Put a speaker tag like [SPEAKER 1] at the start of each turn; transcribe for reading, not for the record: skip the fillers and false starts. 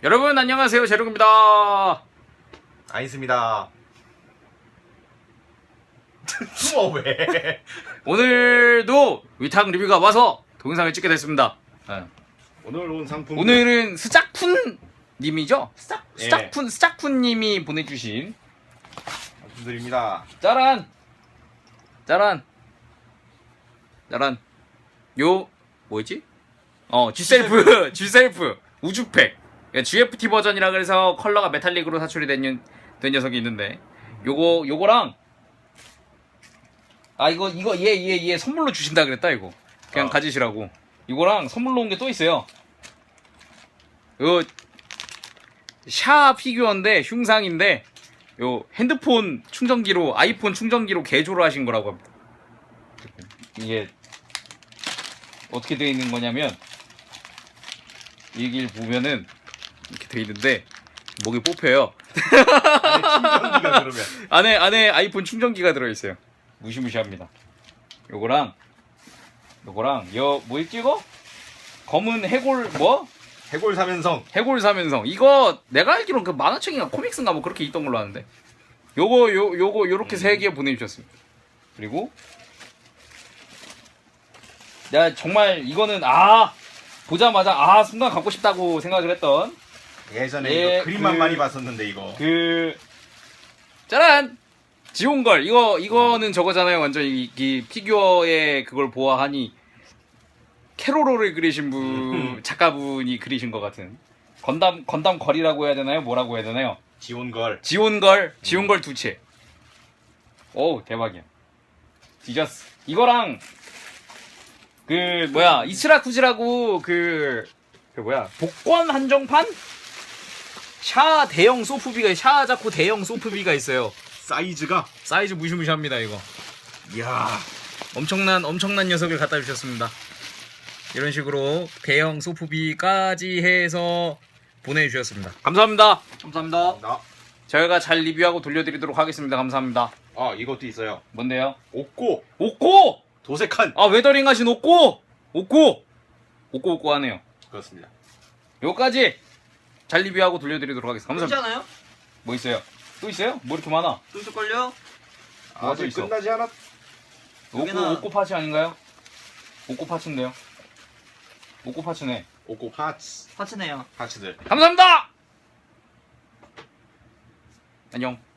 [SPEAKER 1] 여러분 안녕하세요, 제롱입니다.
[SPEAKER 2] 아이스입니다. 숨어 왜?
[SPEAKER 1] 오늘도 위탁 리뷰가 와서 동영상을 찍게 됐습니다. 네.
[SPEAKER 2] 오늘 온 상품
[SPEAKER 1] 오늘은 스짝쿤 님이죠?
[SPEAKER 2] 예.
[SPEAKER 1] 스짝쿤 님이 보내주신
[SPEAKER 2] 상품들입니다.
[SPEAKER 1] 짜란 요 뭐였지? G셀프 우주팩 GFT 버전이라 그래서 컬러가 메탈릭으로 사출이 된 녀석이 있는데 요거랑 이거 얘 선물로 주신다 그랬다. 이거 그냥 가지시라고. 이거랑 선물로 온 게 또 있어요. 요 샤 피규어인데 흉상인데 요 핸드폰 충전기로 아이폰 충전기로 개조를 하신 거라고 합니다. 이게 어떻게 되어 있는 거냐면 여기를 보면은 이렇게 되어 있는데 목이 뽑혀요.
[SPEAKER 2] 충전기가 그러면
[SPEAKER 1] 안에 아이폰 충전기가 들어있어요. 무시무시합니다. 요거랑 뭐 있지 이거? 검은 해골
[SPEAKER 2] 해골 사면성.
[SPEAKER 1] 해골 사면성. 이거 내가 알기로는 그 만화책인가 코믹스인가 뭐 그렇게 있던 걸로 아는데 요거 요렇게 3개 보내주셨습니다. 그리고 내가 정말 이거는 보자마자 순간 갖고 싶다고 생각을 했던
[SPEAKER 2] 예전에 이거 그림만 많이 봤었는데 이거
[SPEAKER 1] 짜란! 지온걸. 이거는 저거잖아요. 완전 이 피규어의 그걸 보아하니 캐로로를 그리신 작가분이 그리신 것 같은 건담 걸이라고 해야 되나요? 뭐라고 해야 되나요? 지온걸 두채. 오우 대박이야. 디저스. 이거랑 이츠라쿠지라고 복권 한정판? 샤 대형 소프비가 샤자코 대형 소프비가 있어요. 사이즈 무시무시합니다. 이거 이야 엄청난 녀석을 갖다 주셨습니다. 이런 식으로 대형 소프비까지 해서 보내주셨습니다. 감사합니다. 저희가 잘 리뷰하고 돌려드리도록 하겠습니다. 감사합니다.
[SPEAKER 2] 이것도 있어요.
[SPEAKER 1] 뭔데요?
[SPEAKER 2] 옥고 도색한
[SPEAKER 1] 웨더링 하신 옥고 하네요.
[SPEAKER 2] 그렇습니다.
[SPEAKER 1] 요까지 잘 리뷰하고 돌려드리도록 하겠습니다. 감사합니다.
[SPEAKER 3] 괜찮아요?
[SPEAKER 1] 뭐 있어요? 또 있어요? 뭐 이렇게 많아?
[SPEAKER 3] 또 있을걸요?
[SPEAKER 1] 뭐가 또
[SPEAKER 2] 아직
[SPEAKER 1] 있어?
[SPEAKER 2] 끝나지 않았.
[SPEAKER 1] 옥고 파츠 아닌가요? 옥고 파츠인데요. 옥고 파츠네.
[SPEAKER 2] 옥고 파츠들.
[SPEAKER 3] 파츠네요.
[SPEAKER 1] 감사합니다. 안녕.